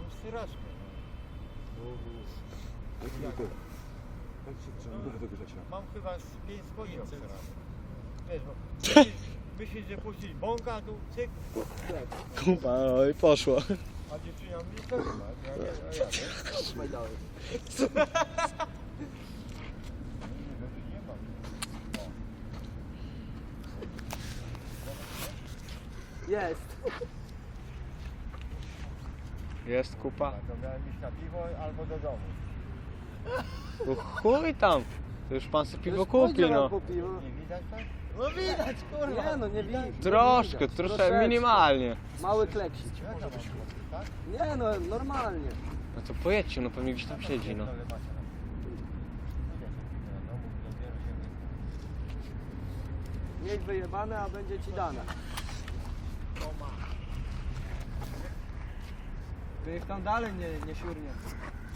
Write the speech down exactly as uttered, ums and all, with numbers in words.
mam styraczkę. Mam chyba z pięć koni obseranych. Wiesz, bo myślisz, myślisz, że puścić bąka, a tu cyk, Kupa, no i poszło. a dziewczyna mnie to chyba. Ja nie, a ja nie mam. Jest. Jest kupa. A to miałem iść na piwo albo do domu. No chuj tam. To już pan sobie piwo Już kupi, pójdzie no. nam po piwo. Nie widać tak? No widać, kurwa. Nie no, nie widać. Troszkę, troszkę, minimalnie. Mały kleksik. Jaka mam piwo, tak? Nie no, normalnie. No to pojedźcie, no pewnie gdzieś tam siedzi, no. Ale macie na piwo. Idę sobie piwo na domu, dopiero się wyjdę. Mieć wyjebane, a będzie ci dane. Ty ich tam dalej nie, nie siurnie.